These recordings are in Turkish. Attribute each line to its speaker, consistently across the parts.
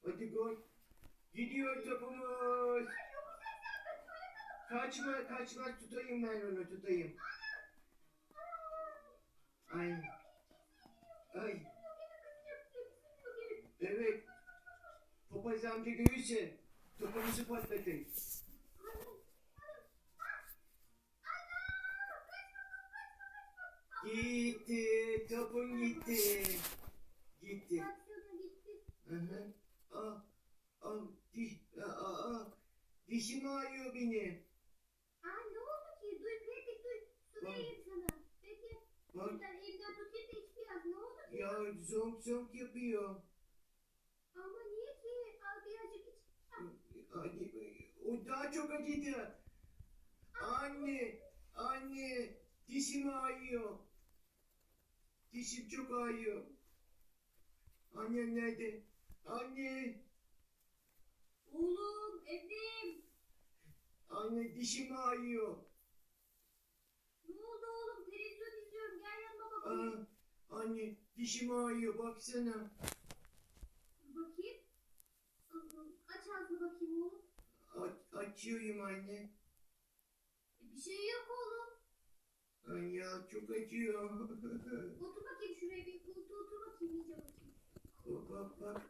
Speaker 1: Hadi gol. Gidiyor topumuz. Kaçma kaçma, tutayım ben onu, tutayım. Ay. Ay. Evet. Papaz amca görürse topumuzu patlatın. Gitti. Topun gitti. Gitti. Hı hı. Ah. Ah. Dişim ağrıyor benim.
Speaker 2: Ne oldu ki? Duy Pratik duy. Su
Speaker 1: Bak.
Speaker 2: vereyim sana. Peki.
Speaker 1: Bak.
Speaker 2: Buradan elinden tutayım da iç biraz. Ne oldu ki?
Speaker 1: Ya zonk zonk yapıyor.
Speaker 2: Ama niye ki? Al birazcık iç.
Speaker 1: O daha çok acıdı. Anne. Anne. Dişim ağrıyor. Dişim çok ağrıyor. Annem nerede? Anne.
Speaker 2: Oğlum evdeyim.
Speaker 1: Anne dişim ağrıyor.
Speaker 2: Ne oldu oğlum? Televizyon izliyorum. Gel yanıma bakayım.
Speaker 1: Anne dişim ağrıyor, baksana.
Speaker 2: Bakayım. Aç ağzını bakayım oğlum.
Speaker 1: Açıyorum anne.
Speaker 2: Bir şey yok oğlum.
Speaker 1: Ay ya, çok acıyor.
Speaker 2: Otur bakayım şuraya bir koltuğa otur bakayım iyice bakayım.
Speaker 1: Bak.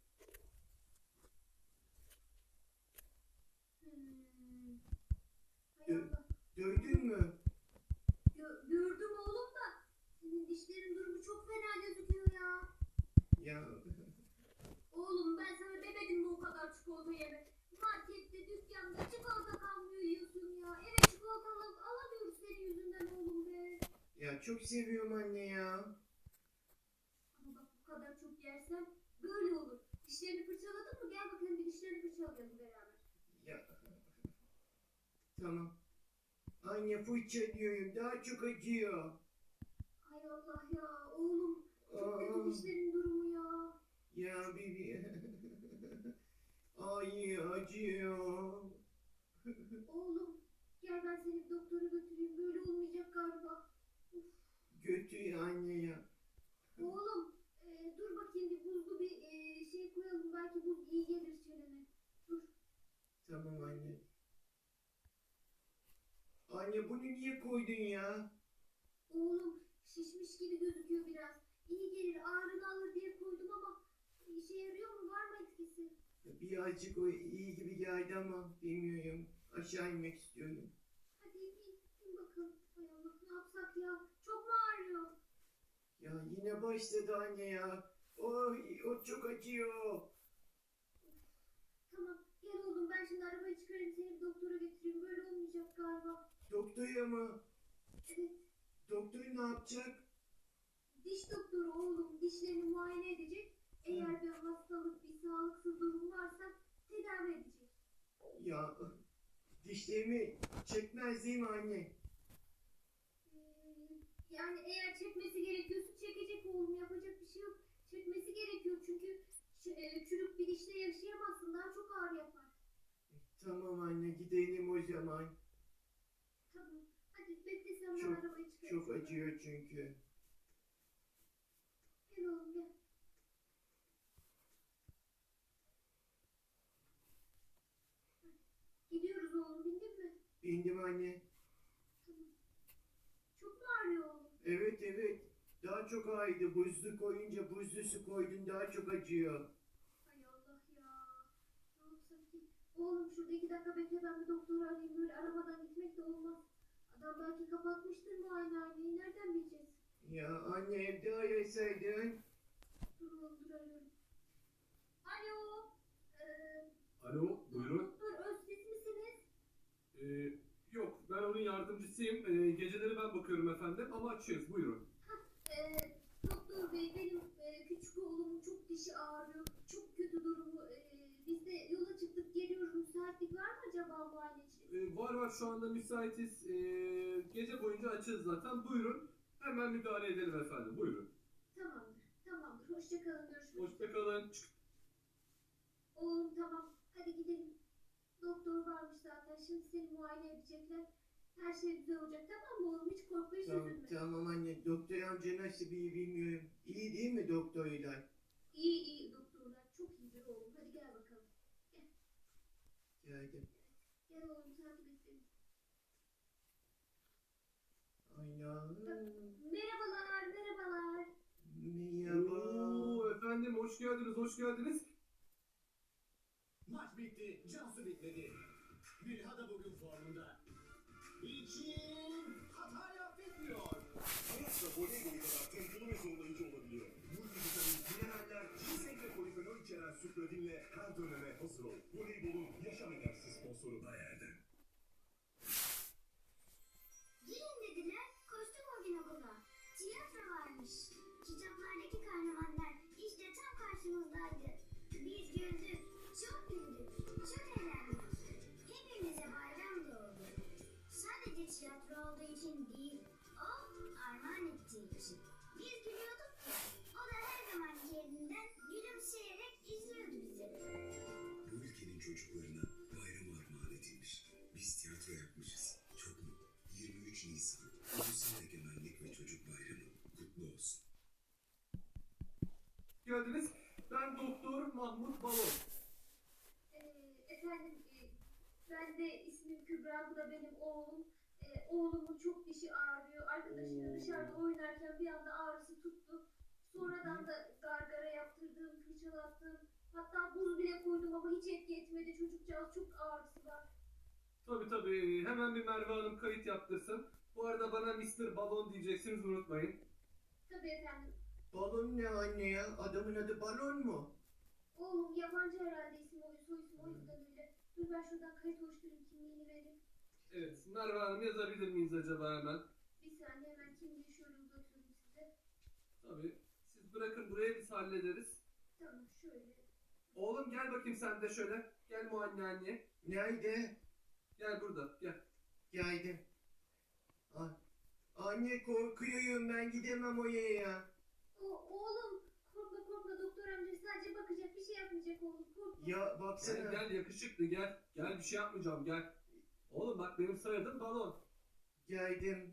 Speaker 2: Hay Allah.
Speaker 1: Gördün mü?
Speaker 2: Gördüm oğlum da. Senin dişlerin durumu çok fena gözüküyor ya.
Speaker 1: Ya
Speaker 2: Oğlum ben sana demedim mi o kadar çikolata yeme. Markette, dükkanda çikolata kalmıyor yiyorsun ya. Eve çikolata alamıyoruz senin yüzünden oğlum be.
Speaker 1: ya çok seviyorum anne ya.
Speaker 2: Ama bak bu kadar çok yersen böyle olur. Dişlerini fırçaladın mı? Gel bakalım bir dişlerini fırçalayalım beraber.
Speaker 1: Ya tamam. Anne fırça diyorum, daha çok acıyor.
Speaker 2: Hay Allah ya oğlum. Çok kötü
Speaker 1: Aa,
Speaker 2: dişlerin durumu ya.
Speaker 1: ya bibi. Ay acıyor.
Speaker 2: Oğlum gel ben seni bir doktora götüreyim. Böyle olmayacak galiba. Uf.
Speaker 1: Götür anne ya.
Speaker 2: Oğlum dur bakayım bir buzlu bir şey koyalım. Belki buz iyi gelir çenene. Dur.
Speaker 1: Tamam anne. Anne bunu niye koydun ya?
Speaker 2: Oğlum şişmiş gibi gözüküyor biraz. İyi gelir ağrını alır diye koydum ama işe yarıyor mu? Var mı etkisi?
Speaker 1: Birazcık o iyi gibi geldi ama bilmiyorum. Aşağı inmek istiyorum.
Speaker 2: Hadi in bakalım. Hay Allah ne yapsak ya? Çok mu ağrıyor?
Speaker 1: Ya yine başladı anne ya. Oy, o çok acıyor.
Speaker 2: Tamam gel oğlum ben şimdi arabayı çıkarayım seni bir doktora götüreyim. Böyle olmayacak galiba.
Speaker 1: Doktora mı?
Speaker 2: Evet.
Speaker 1: Doktor ne yapacak?
Speaker 2: Diş doktoru oğlum dişlerini muayene edecek. Eğer bir hastalık, bir sağlıksız durum varsa tedavi edecek.
Speaker 1: Ya dişlerimi çekmez değil mi anne?
Speaker 2: Yani eğer çekmesi gerekiyorsa çekecek oğlum yapacak bir şey yok. Çekmesi gerekiyor çünkü çürük bir dişle yaşayamazsın daha çok ağrı yapar.
Speaker 1: Tamam anne, gidelim o zaman.
Speaker 2: Tamam hadi bekle sen ben
Speaker 1: Çok
Speaker 2: arabayı çıkarayım.
Speaker 1: çok acıyor çünkü.
Speaker 2: Gel oğlum gel. Gidiyoruz oğlum bindin mi?
Speaker 1: Bindim anne.
Speaker 2: Tamam. Çok mu ağrıyor oğlum?
Speaker 1: Evet. Daha çok ağrıydı. Buzlu koyunca, buzlu su koydun, daha çok acıyor.
Speaker 2: Hay Allah ya. Ne yapsak ki? Oğlum şurada 2 dakika bekle ben bir doktoru arayayım. Böyle aramadan gitmek de olmaz. Adam belki kapatmıştır muayenehaneyi. Nereden bileceğiz?
Speaker 1: Ya anne, evde arasaydın.
Speaker 2: Dur oğlum dur arıyorum. Alo.
Speaker 3: Alo, buyurun.
Speaker 2: Doktor Öztürk misiniz?
Speaker 3: Yok, ben onun yardımcısıyım. Geceleri ben bakıyorum efendim ama açıyoruz, buyurun.
Speaker 2: Doktor bey benim küçük oğlumun çok dişi ağrıyor. Çok kötü durumu. Biz de yola çıktık geliyoruz. Müsaitlik var mı acaba muayene için?
Speaker 3: Var şu anda müsaitiz. Gece boyunca açığız zaten, buyurun. Hemen müdahale edelim efendim, buyurun.
Speaker 2: Tamamdır. Hoşça kalın. Görüşmek üzere.
Speaker 3: Hoşçakalın.
Speaker 2: Oğlum tamam. Hadi gidelim. Doktor varmış zaten. Şimdi seni muayene edecekler. Her şey güzel olacak tamam mı oğlum? Hiç korkma hiç
Speaker 1: Tamam,
Speaker 2: üzülme.
Speaker 1: tamam anne. Doktor amca nasıl, bir bilmiyorum. İyi değil mi doktorlar?
Speaker 2: İyi doktorlar. Çok iyi. Hadi oğlum hadi gel bakalım.
Speaker 1: Geldim.
Speaker 2: Gel oğlum takip et beni.
Speaker 1: Anam.
Speaker 2: Merhabalar merhabalar.
Speaker 1: Merhaba.
Speaker 3: Oo, efendim hoş geldiniz, hoş geldiniz.
Speaker 4: Maç bitti, Cansu bitmedi. Milha da bugün formunda. İçin hatayı affetmiyor.
Speaker 5: Hayat da voleybolu kadar tempolu ve zorlayıcı olabiliyor. Multivitamin, mineraller, ginseng ve polifenol içeren Supradin'le her döneme hazır ol. Voleybolun yaşam enerjisi sponsoru Bayer'den.
Speaker 6: Gelin dediler, koştum o gün okula. Tiyatro varmış. Kitaplardaki kahramanlar işte tam karşımızdaydı. Biz güldük, çok güldük, çok eğlendik. Hepimize bayram doğdu. Sadece tiyatro olduğu için değil, o armağan ettiği için. Biz gülüyorduk ki, o da her zamanki yerinden gülümseyerek izliyordu bizi.
Speaker 7: Bu ülkenin çocuklarına bayram armağan edilmiş. Biz tiyatro yapmışız. Çok mutlu. 23 Nisan Ulusal Egemenlik ve Çocuk Bayramı kutlu olsun.
Speaker 3: Geldiniz. Ben Doktor Mahmut Balon.
Speaker 2: Efendim ben de ismim Kübra, bu da benim oğlum. Oğlumun çok dişi ağrıyor. Arkadaşıyla dışarıda oynarken bir anda ağrısı tuttu. Sonradan da gargara yaptırdım, fırçalattım. Hatta buz bile koydum ama hiç etki etmedi. Çocukcağız çok ağrısı var.
Speaker 3: Tabii hemen bir Merve Hanım kayıt yaptırsın. Bu arada bana Mr. Balon diyeceksiniz, unutmayın.
Speaker 2: Tabii efendim.
Speaker 1: Balon ne anne ya? Adamın adı balon mu?
Speaker 2: Oğlum yabancı herhalde isim oluyor, soy isim, o yüzden öyle. Dur ben şuradan kayıt oluşturayım, kimliğini vereyim.
Speaker 3: Evet, Merve Hanım yazabilir miyiz acaba hemen?
Speaker 2: Bir saniye hemen kimliği şöyle uzatıyorum size.
Speaker 3: Tabii. Siz bırakın buraya, biz hallederiz.
Speaker 2: Tamam şöyle.
Speaker 3: Oğlum gel bakayım sen de şöyle. Gel muayenehaneye.
Speaker 1: Nerede?
Speaker 3: Gel burada, gel.
Speaker 1: Geldim. Anne korkuyorum, ben gidemem oraya ya.
Speaker 2: Oğlum korkma korkma, doktor amca sadece bakacak, bir şey yapmayacak oğlum, korkma.
Speaker 1: Ya baksana.
Speaker 3: Gel yakışıklı gel. Gel bir şey yapmayacağım gel. Oğlum bak benim soyadım Balon.
Speaker 1: Geldim.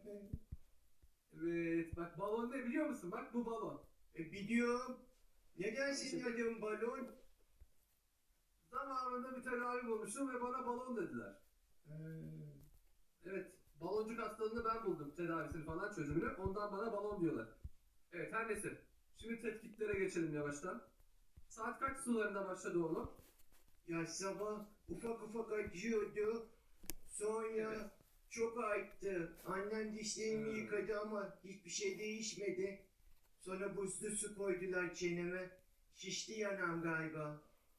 Speaker 3: Evet bak balon ne biliyor musun? Bak bu balon.
Speaker 1: Biliyorum. Neden senin adın balon?
Speaker 3: Zamanında bir tedavi bulmuştum ve bana balon dediler. Evet, baloncuk hastalığını ben buldum. Tedavisini falan, çözümünü. Ondan bana balon diyorlar. Evet, her neyse. Şimdi tetkiklere geçelim yavaştan. Saat kaç sularında başladı oğlum?
Speaker 1: Ya sabah ufak ufak acıyordu. Sonra
Speaker 3: Evet.
Speaker 1: çok arttı. Annem dişlerimi
Speaker 3: Hmm.
Speaker 1: yıkadı ama hiçbir şey değişmedi. Sonra buzlu su koydular çeneme. Şişti yanağım galiba.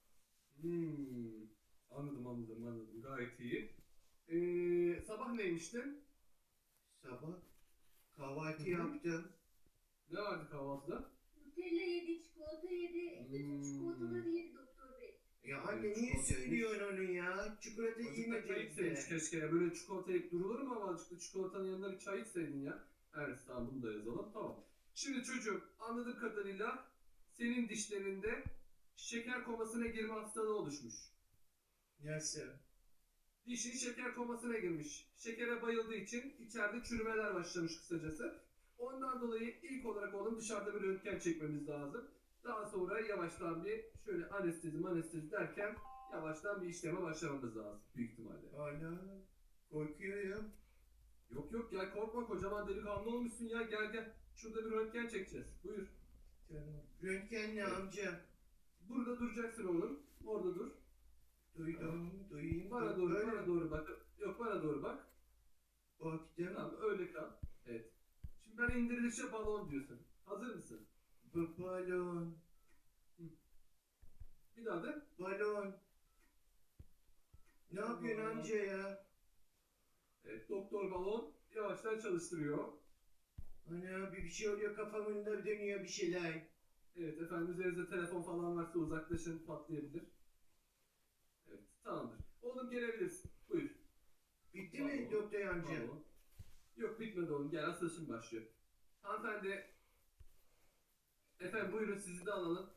Speaker 3: Anladım. Gayet iyi. Sabah neymiştin?
Speaker 1: Sabah kahvaltı
Speaker 3: Hı hı.
Speaker 1: yaptım.
Speaker 3: Ne vardı kahvaltıda?
Speaker 2: Nutella yedi, çikolata yedi, bütün çikolataları yedi doktor bey.
Speaker 1: Ya anne
Speaker 3: Evet,
Speaker 1: niye
Speaker 3: çikolata
Speaker 1: söylüyorsun onu ya? Çikolata
Speaker 3: Azıcık da çay
Speaker 1: yemedim
Speaker 3: içseydin
Speaker 1: de.
Speaker 3: keşke ya. Böyle çikolata yiyip durulur mu ama azıcık da çikolatanın yanında bir çay içseydin ya. Evet tamam, bunu da yazalım. Tamam. Şimdi çocuğum, anladığım kadarıyla senin dişlerinde şeker komasına girme hastalığı oluşmuş.
Speaker 1: Nasıl?
Speaker 3: Dişin şeker komasına girmiş. Şekere bayıldığı için içeride çürümeler başlamış kısacası. Ondan dolayı ilk olarak oğlum dışarıda bir röntgen çekmemiz lazım. Daha sonra yavaştan bir şöyle anestezi derken yavaştan bir işleme başlamamız lazım büyük ihtimalle.
Speaker 1: Hala korkuyorum.
Speaker 3: Yok gel, korkma, kocaman delikanlı olmuşsun ya, gel. Şurada bir röntgen çekeceğiz. Buyur.
Speaker 1: Tamam. Röntgen ne
Speaker 3: Evet.
Speaker 1: amca?
Speaker 3: Burada duracaksın oğlum. Orada dur.
Speaker 1: Duyayım.
Speaker 3: Bana doğru,
Speaker 1: Öyle
Speaker 3: bana doğru bak. Yok, bana doğru bak.
Speaker 1: baktım.
Speaker 3: Tamam, öyle kal. Evet. Şimdi ben indirilişe balon diyorsun. Hazır mısın?
Speaker 1: Balon.
Speaker 3: Bir daha de.
Speaker 1: Balon. Ne yapıyorsun
Speaker 3: Balon.
Speaker 1: amca ya?
Speaker 3: Evet, doktor balon yavaştan çalıştırıyor.
Speaker 1: Ana bir şey oluyor, kafamda dönüyor bir şeyler.
Speaker 3: Evet efendim, üzerinizde telefon falan varsa uzaklaşın, patlayabilir. Evet, tamamdır. Oğlum gelebilirsin. Buyur.
Speaker 1: Bitti mi
Speaker 3: Balon,
Speaker 1: doktor amca?
Speaker 3: balon. Yok bitmedi oğlum, gel asıl şimdi başlıyor. Hanımefendi. Efendim buyurun, sizi de alalım.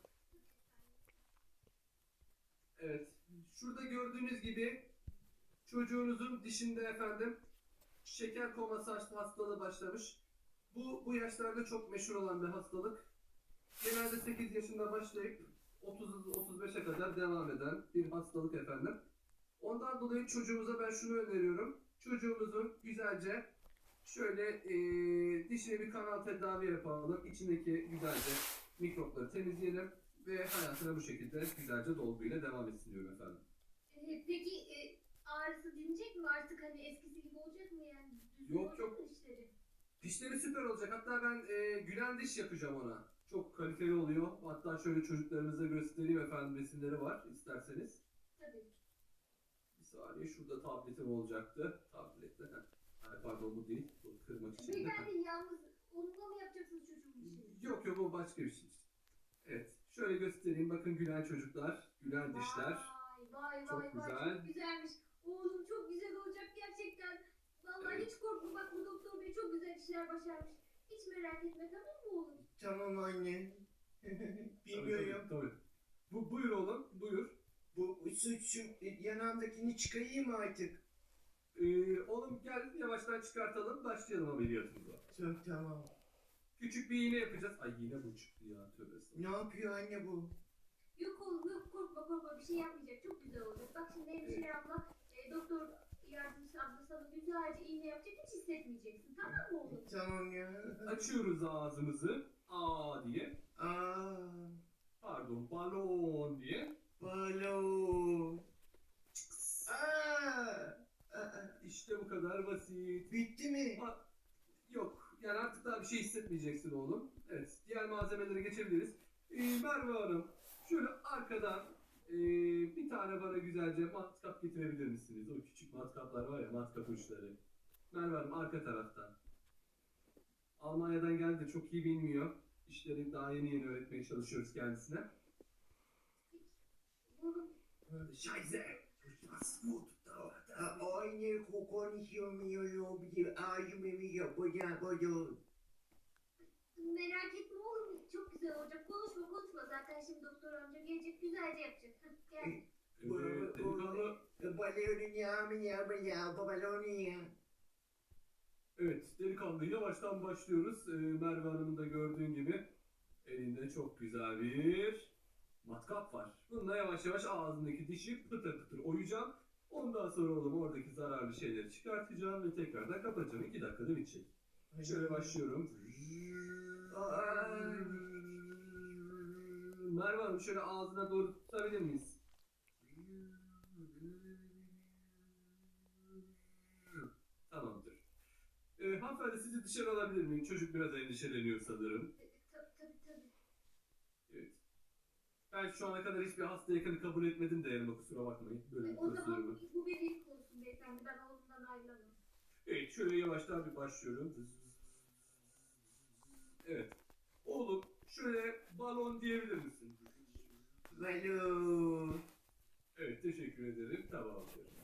Speaker 3: Evet. Şurada gördüğünüz gibi çocuğunuzun dişinde efendim şeker koması hastalığı başlamış. Bu yaşlarda çok meşhur olan bir hastalık. Genelde 8 yaşında başlayıp 30-35'e kadar devam eden bir hastalık efendim. Ondan dolayı çocuğumuza ben şunu öneriyorum. Çocuğumuzun güzelce şöyle dişine bir kanal tedavi yapalım. İçindeki güzelce mikropları temizleyelim ve hayatına bu şekilde güzelce dolguyla devam etsin diyorum efendim.
Speaker 2: Peki ağrısı dinecek mi artık, hani eskisi gibi olacak mı yani? Düzgün
Speaker 3: Yok,
Speaker 2: olacak
Speaker 3: yok.
Speaker 2: mı dişleri?
Speaker 3: Dişleri süper olacak. Hatta ben gülen diş yapacağım ona. Çok kaliteli oluyor. Hatta şöyle çocuklarımıza göstereyim efendim, resimleri var isterseniz.
Speaker 2: Tabii.
Speaker 3: Bir saniye, şurada tabletim olacaktı. Tablette. Ay, pardon, bu değil. Bu kırmak için.
Speaker 2: Beyefendi yalnız onunla mı yapacaksınız çocuğun işini?
Speaker 3: Yok yok, o başka bir şey. Evet. Şöyle göstereyim. Bakın gülen çocuklar, gülen dişler.
Speaker 2: Vay
Speaker 3: Çok
Speaker 2: vay
Speaker 3: güzel.
Speaker 2: vay, çok güzelmiş. Oğlum çok güzel olacak gerçekten. Vallahi
Speaker 3: Evet.
Speaker 2: hiç korkma, bak bu doktor bey çok güzel işler başarmış. Hiç merak etme, tamam mı oğlum?
Speaker 1: Tamam anne. Bilmiyorum.
Speaker 3: Tabii. Buyur oğlum, buyur.
Speaker 1: Bu şu yanağımdakini çıkarayım mı artık?
Speaker 3: Oğlum gel, yavaştan çıkartalım, başlayalım ameliyatımıza.
Speaker 1: Çok tamam.
Speaker 3: Küçük bir iğne yapacağız. Ay, yine bu çıktı ya, tövbe estağfurullah.
Speaker 1: Ne yapıyor anne bu?
Speaker 2: Yok oğlum yok, korkma bir şey yapmayacak, çok güzel olacak. Bak şimdi hemşire abla, doktor yardımcısı abla sana güzelce iğne yapacak, hiç hissetmeyeceksin, tamam mı oğlum?
Speaker 1: Tamam ya.
Speaker 3: Açıyoruz ağzımızı. Aa diye.
Speaker 1: Aa,
Speaker 3: Pardon, balon diye.
Speaker 1: balon. Aa,
Speaker 3: İşte bu kadar basit.
Speaker 1: bitti mi?
Speaker 3: Yok, yani artık daha bir şey hissetmeyeceksin oğlum. Evet, diğer malzemelere geçebiliriz. Merve Hanım, şöyle arkadan bir tane bana güzelce matkap getirebilir misiniz? O küçük matkaplar var ya, matkap uçları. Merve Hanım, arka taraftan. Almanya'dan geldi de çok iyi bilmiyor. İşleri daha yeni öğretmeye çalışıyoruz kendisine.
Speaker 2: Oğlum
Speaker 3: Scheiße! Das gut dauert.
Speaker 1: Anne konuşamıyorum. Ağzımı yapacağım.
Speaker 2: merak etme oğlum, çok güzel olacak. Konuşma zaten, şimdi doktor amca gelecek, güzelce yapacak. Hah, gel.
Speaker 3: Evet, delikanlı.
Speaker 1: Balonun ya, balonun ya.
Speaker 3: Evet, delikanlı yavaştan başlıyoruz. Merve Hanım'ın da gördüğün gibi elinde çok güzel bir matkap var. Bununla yavaş yavaş ağzındaki dişi pıtır pıtır oyacağım. Ondan sonra oğlum oradaki zararlı şeyleri çıkartacağım ve tekrardan kapatacağım. 2 dakikada bitecek. Şöyle başlıyorum. Merve Hanım, şöyle ağzına doğru tutabilir miyiz? Tamamdır. Hanımefendi, sizi dışarı alabilir miyim? Çocuk biraz endişeleniyor sanırım.
Speaker 2: Tabii.
Speaker 3: Evet. Ben şu ana kadar hiçbir hasta yakını kabul etmedim de yanıma, kusura bakmayın. Böyle bir
Speaker 2: O zaman
Speaker 3: prosedürümü.
Speaker 2: bu bir ilk olsun beyefendi, ben oğlumdan ayrılamam.
Speaker 3: Evet, şöyle yavaştan bir başlıyorum. Evet. Oğlum, şöyle balon diyebilir misin?
Speaker 1: Balon.
Speaker 3: Evet, teşekkür ederim. Tamamdır.